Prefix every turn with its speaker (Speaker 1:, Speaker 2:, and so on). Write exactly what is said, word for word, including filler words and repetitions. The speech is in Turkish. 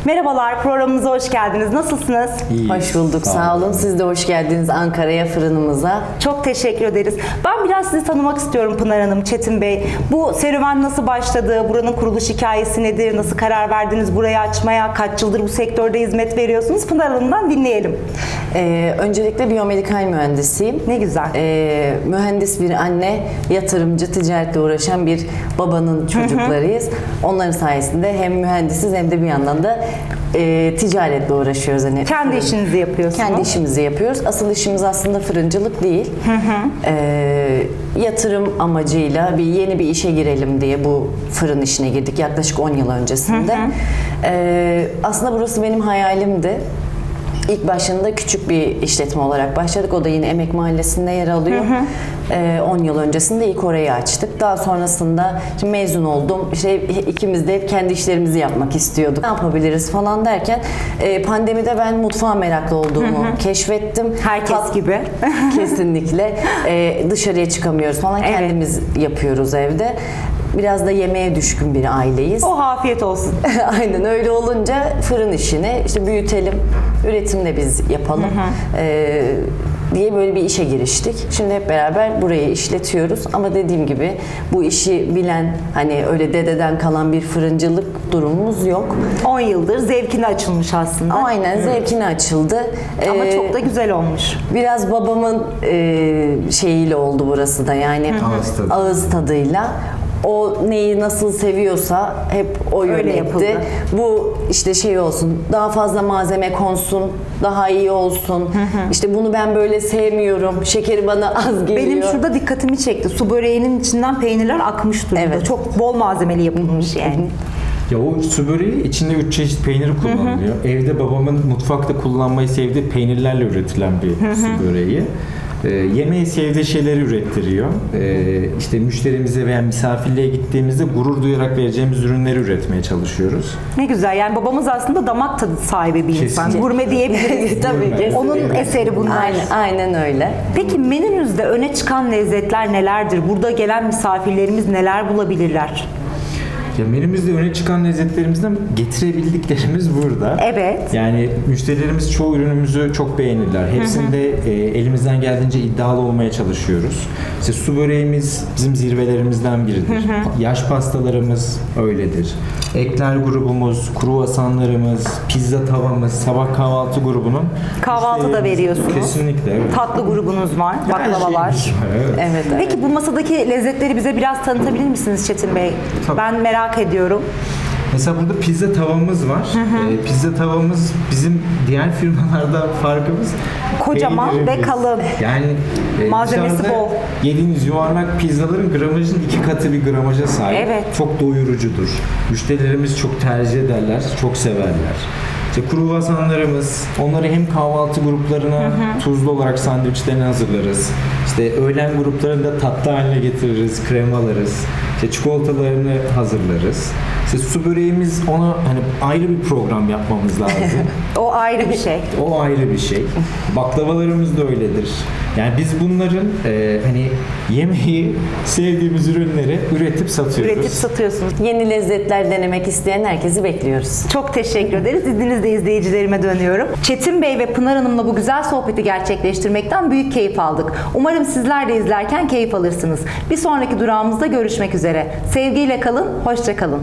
Speaker 1: Merhabalar, programımıza hoş geldiniz. Nasılsınız?
Speaker 2: İyiyiz.
Speaker 3: Hoş bulduk, sağ olun. Siz de hoş geldiniz Ankara'ya, fırınımıza.
Speaker 1: Çok teşekkür ederiz. Ben biraz sizi tanımak istiyorum Pınar Hanım, Çetin Bey. Bu serüven nasıl başladı? Buranın kuruluş hikayesi nedir? Nasıl karar verdiniz burayı açmaya? Kaç yıldır bu sektörde hizmet veriyorsunuz? Pınar Hanım'dan dinleyelim.
Speaker 3: Ee, öncelikle biyomedikal mühendisiyim.
Speaker 1: Ne güzel.
Speaker 3: Ee, mühendis bir anne, yatırımcı, ticaretle uğraşan bir babanın çocuklarıyız. Onların sayesinde hem mühendisiz hem de bir yandan da e, ticaretle uğraşıyoruz. Yani
Speaker 1: Kendi
Speaker 3: fırın-
Speaker 1: işinizi yapıyorsunuz.
Speaker 3: Kendi işimizi yapıyoruz. Asıl işimiz aslında fırıncılık değil. Ee, yatırım amacıyla bir yeni bir işe girelim diye bu fırın işine girdik yaklaşık on yıl öncesinde. Ee, aslında burası benim hayalimdi. İlk başında küçük bir işletme olarak başladık. O da yine Emek Mahallesi'nde yer alıyor. Ee, on yıl öncesinde ilk orayı açtık. Daha sonrasında şimdi mezun oldum. İşte ikimiz de hep kendi işlerimizi yapmak istiyorduk. Ne yapabiliriz falan derken e, pandemide ben mutfağa meraklı olduğumu keşfettim.
Speaker 1: Herkes
Speaker 3: Tat-
Speaker 1: gibi.
Speaker 3: Kesinlikle. Ee, dışarıya çıkamıyoruz falan.
Speaker 1: Evet.
Speaker 3: Kendimiz yapıyoruz evde. Biraz da yemeğe düşkün bir aileyiz.
Speaker 1: Oh, afiyet olsun.
Speaker 3: Aynen öyle olunca fırın işini işte büyütelim, üretim de biz yapalım ee, diye böyle bir işe giriştik. Şimdi hep beraber burayı işletiyoruz ama dediğim gibi bu işi bilen, hani öyle dededen kalan bir fırıncılık durumumuz yok.
Speaker 1: on yıldır zevkine açılmış aslında.
Speaker 3: Ama aynen zevkine açıldı.
Speaker 1: Ama
Speaker 3: Ee,
Speaker 1: çok da güzel olmuş.
Speaker 3: Biraz babamın e, şeyiyle oldu burası da, yani
Speaker 2: Ağız tadı.
Speaker 3: ağız tadıyla. O neyi nasıl seviyorsa hep o
Speaker 1: Öyle
Speaker 3: yönetti.
Speaker 1: yapıldı.
Speaker 3: Bu işte şey olsun, daha fazla malzeme konsun, daha iyi olsun. İşte bunu ben böyle sevmiyorum, şekeri bana az geliyor.
Speaker 1: Benim şurada dikkatimi çekti. Su böreğinin içinden peynirler akmış durumda.
Speaker 3: Evet.
Speaker 1: Çok bol malzemeli yapılmış yani.
Speaker 2: Ya o su böreği içinde üç çeşit peynir kullanılıyor. Evde babamın mutfakta kullanmayı sevdiği peynirlerle üretilen bir su böreği. Ee, yemeği sevdiği şeyleri ürettiriyor. Ee, işte müşterimize veya misafirliğe gittiğimizde gurur duyarak vereceğimiz ürünleri üretmeye çalışıyoruz.
Speaker 1: Ne güzel. Yani babamız aslında damak tadı sahibi bir insan.
Speaker 2: Kesinlikle.
Speaker 1: Gurme diyebiliriz.
Speaker 3: Tabii ki.
Speaker 1: Onun eseri bunlar.
Speaker 3: Aynen, aynen öyle.
Speaker 1: Peki menünüzde öne çıkan lezzetler nelerdir? Burada gelen misafirlerimiz neler bulabilirler?
Speaker 2: Ya menümüzde öne çıkan lezzetlerimizden getirebildiklerimiz burada.
Speaker 1: Evet.
Speaker 2: Yani müşterilerimiz çoğu ürünümüzü çok beğenirler. Hepsinde e, elimizden geldiğince iddialı olmaya çalışıyoruz. İşte su böreğimiz bizim zirvelerimizden biridir. Yaş pastalarımız öyledir. Ekler grubumuz, kruvasanlarımız, pizza tavamız, sabah kahvaltı grubunun
Speaker 1: Kahvaltı da
Speaker 2: müşterilerimiz-
Speaker 1: veriyorsunuz.
Speaker 2: Kesinlikle. Evet.
Speaker 1: Tatlı grubunuz var,
Speaker 2: Her
Speaker 1: baklavalar.
Speaker 2: şeyimiz var, evet.
Speaker 3: Evet, evet.
Speaker 1: Peki bu masadaki lezzetleri bize biraz tanıtabilir misiniz Çetin Bey?
Speaker 2: Tabii.
Speaker 1: Ben merak ediyorum.
Speaker 2: Mesela burada pizza tavamız var. Ee, pizza tavamız bizim diğer firmalardan farkımız
Speaker 1: Kocaman ve
Speaker 2: peynirimiz.
Speaker 1: kalın.
Speaker 2: Yani e,
Speaker 1: Malzemesi
Speaker 2: dışarıda
Speaker 1: bol.
Speaker 2: yediğiniz yuvarlak pizzaların gramajın iki katı bir gramaja sahip.
Speaker 1: Evet.
Speaker 2: Çok doyurucudur. Müşterilerimiz çok tercih ederler, çok severler. İşte kruvasanlarımız, onları hem kahvaltı gruplarına tuzlu olarak sandviçlerini hazırlarız. İşte öğlen gruplarında tatlı haline getiririz, kremalarız. İşte çikolatalarını hazırlarız. İşte su böreğimiz, ona hani ayrı bir program yapmamız lazım.
Speaker 1: O ayrı bir şey.
Speaker 2: O ayrı bir şey. Baklavalarımız da öyledir. Yani biz bunların e, hani yemeği, sevdiğimiz ürünleri üretip satıyoruz.
Speaker 1: Üretip satıyorsunuz.
Speaker 3: Yeni lezzetler denemek isteyen herkesi bekliyoruz.
Speaker 1: Çok teşekkür ederiz. İzninizle izleyicilerime dönüyorum. Çetin Bey ve Pınar Hanım'la bu güzel sohbeti gerçekleştirmekten büyük keyif aldık. Umarım sizler de izlerken keyif alırsınız. Bir sonraki durağımızda görüşmek üzere. Sevgiyle kalın, hoşça kalın.